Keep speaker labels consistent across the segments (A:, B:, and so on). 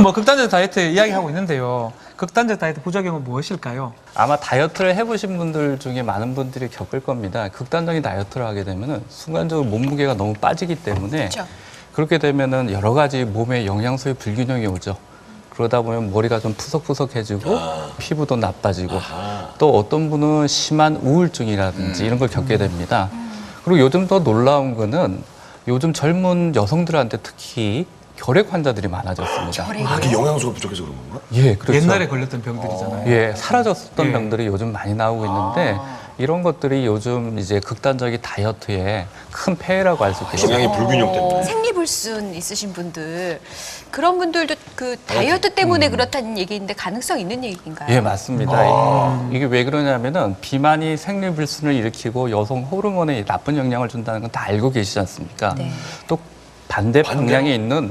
A: 뭐 극단적 다이어트 이야기하고 있는데요. 극단적 다이어트 부작용은 무엇일까요?
B: 아마 다이어트를 해보신 분들 중에 많은 분들이 겪을 겁니다. 극단적인 다이어트를 하게 되면은 순간적으로 몸무게가 너무 빠지기 때문에
C: 그렇죠.
B: 그렇게 되면은 여러 가지 몸에 영양소의 불균형이 오죠. 그러다 보면 머리가 좀 푸석푸석해지고 피부도 나빠지고 또 어떤 분은 심한 우울증이라든지 이런 걸 겪게 됩니다. 그리고 요즘 더 놀라운 거는 요즘 젊은 여성들한테 특히 결핵 환자들이 많아졌습니다.
D: 그게 영양소가 부족해서 그런 건가?
B: 예, 그렇죠.
A: 옛날에 걸렸던 병들이잖아요.
B: 예, 사라졌었던
A: 예.
B: 병들이 요즘 많이 나오고 있는데 이런 것들이 요즘 이제 극단적인 다이어트에 큰 폐해라고 할 수 있겠습니다.
D: 영양의 불균형 때문에.
C: 생리불순 있으신 분들 그런 분들도 그 다이어트 때문에 그렇다는 얘기인데 가능성 있는 얘기인가요?
B: 예, 맞습니다. 이게 왜 그러냐면은 비만이 생리불순을 일으키고 여성 호르몬에 나쁜 영향을 준다는 건 다 알고 계시지 않습니까?
C: 네.
B: 또 반대 방향에 있는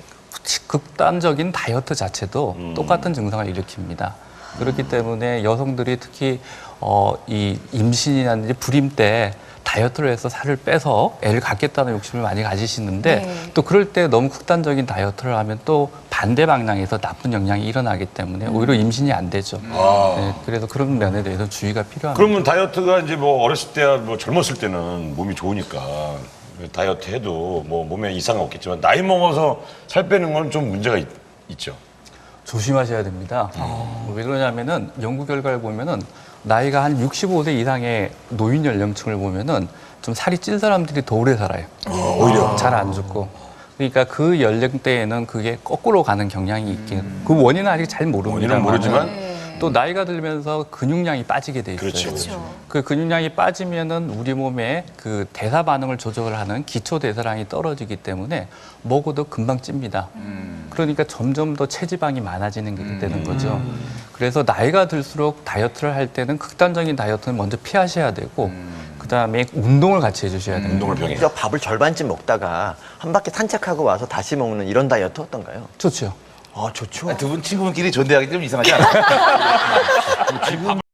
B: 극단적인 다이어트 자체도 똑같은 증상을 일으킵니다. 그렇기 때문에 여성들이 특히 이 임신이라든지 불임 때 다이어트를 해서 살을 빼서 애를 갖겠다는 욕심을 많이 가지시는데
C: 네.
B: 또 그럴 때 너무 극단적인 다이어트를 하면 또 반대 방향에서 나쁜 영향이 일어나기 때문에 오히려 임신이 안 되죠. 네, 그래서 그런 면에 대해서 주의가 필요합니다.
D: 그러면 다이어트가 이제 뭐 어렸을 때야 뭐 젊었을 때는 몸이 좋으니까 다이어트 해도 뭐 몸에 이상은 없겠지만 나이 먹어서 살 빼는 건 좀 문제가 있죠.
B: 조심하셔야 됩니다. 왜 그러냐면은 연구 결과를 보면은 나이가 한 65세 이상의 노인 연령층을 보면은 좀 살이 찐 사람들이 더 오래 살아요.
D: 오히려.
B: 잘 안 죽고. 그러니까 그 연령대에는 그게 거꾸로 가는 경향이 있긴. 그 원인은 아직 잘 모릅니다.
D: 원인은 모르지만
B: 또 나이가 들면서 근육량이 빠지게 돼 있어요.
D: 그렇죠.
C: 그렇죠.
B: 그 근육량이 빠지면은 우리 몸에 그 대사 반응을 조절하는 기초 대사량이 떨어지기 때문에 먹어도 금방 찝니다. 그러니까 점점 더 체지방이 많아지는 게 되는 거죠. 그래서 나이가 들수록 다이어트를 할 때는 극단적인 다이어트는 먼저 피하셔야 되고 그다음에 운동을 같이 해주셔야 됩니다.
D: 운동을 병해.
E: 저 밥을 절반쯤 먹다가 한 바퀴 산책하고 와서 다시 먹는 이런 다이어트 어떤가요?
B: 좋죠.
E: 아, 좋죠.
F: 두 분 친구분끼리 존대하기 좀 이상하지 않아요?